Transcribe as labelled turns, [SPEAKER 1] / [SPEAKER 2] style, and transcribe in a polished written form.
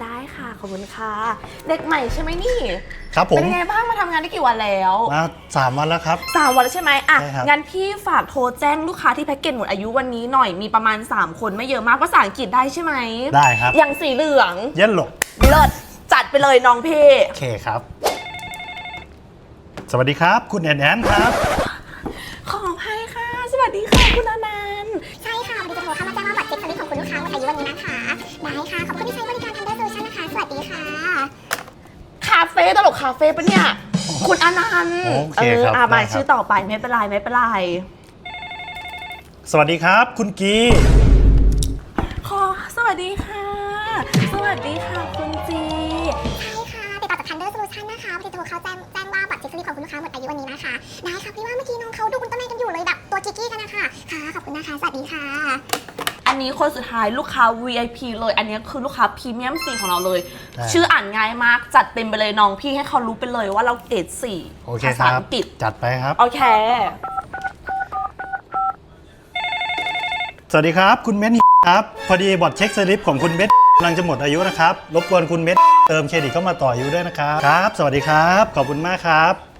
[SPEAKER 1] ได้ค่ะขอบคุณค่ะเด็กใหม่ใช่ไหมนี่
[SPEAKER 2] ครับผม
[SPEAKER 1] เป็นยังไงบ้างมาทำงานได้กี่วันแล้ว
[SPEAKER 2] มา3 วันแล้วครับ
[SPEAKER 1] 3 วันแล้วใช่ไหมอ่ะ
[SPEAKER 2] ใช่ครับ
[SPEAKER 1] งั้นพี่ฝากโทรแจ้งลูกค้าที่แพ็กเกจหมดอายุวันนี้หน่อยมีประมาณ3 คนไม่เยอะมากภาษาอังกฤษได้ใช่ไหม
[SPEAKER 2] ได้ครับ
[SPEAKER 1] อย่างสีเหลือง
[SPEAKER 2] เย็นหลก
[SPEAKER 1] เลิศจัดไปเลยน้องพี่
[SPEAKER 2] โอเคครับ สวัสดีครับ คุณแอนแอนครับ
[SPEAKER 1] ขออภัยค่ะสวัสดีค่ะคุณอนันต์
[SPEAKER 3] ใช่ค่ะวันนี้จะโทรเข้ามาแจ้งว่าบัตรเจ็ตสลิปของคุณลูกค้าหมดอายุวันนี้นะคะได้ค่ะขอบคุณที่ใช้บริการ Thunder Solution นะคะสวัสดีค่ะ
[SPEAKER 1] คาเฟ่ตลกคาเฟ่ปะเนี่ยคุณอนันต์
[SPEAKER 2] โอเคครับ
[SPEAKER 1] มา
[SPEAKER 2] ได้ครับ
[SPEAKER 1] ชื่อต่อไปไม่เป็นไรไม่เป็นไร
[SPEAKER 2] สวัสดีครับ คุณกี
[SPEAKER 1] สวัสดีค่ะ สวัสดีค่ะคุณจี
[SPEAKER 3] ใช่ค่ะติดต่อจาก Thunder Solution นะคะวันนี้โทรเข้าแจ้งว่าบัตรเจ็ตสลิปของคุณลูกค้าหมดอายุวันนี้นะคะได้ค่ะพี่ว่าเมื่อกี้น้องเขาดูอุลตร้าแมนกันอยู่เลยแบบตัวกิ๊กกี้กันนะคะค่ะขอบคุณนะคะสวัสดีค่ะ
[SPEAKER 1] อันนี้คนสุดท้ายลูกค้า VIP เลยอันนี้คือลูกค้าพรีเมียม4ของเราเลย ชื่ออ่านง่ายมากจัดเต็มไปเลยน้องพี่ให้เขารู้ไปเลยว่าเราเกรด4
[SPEAKER 2] โอเค
[SPEAKER 1] ภา
[SPEAKER 2] ค
[SPEAKER 1] ษา
[SPEAKER 2] รับ
[SPEAKER 1] อังกฤษ
[SPEAKER 2] จัดไปครับ
[SPEAKER 1] โอเค
[SPEAKER 2] สวัสดีครับ คุณเม็ดครับพอดีบอร์ดเช็คสลิปของคุณเม็ดกำลังจะหมดอายุนะครับรบกวนคุณเม็ดเติมเครดิตเข้ามาต่ออายุด้วยนะครับครับ สวัสดีครับ ขอบคุณมากครับ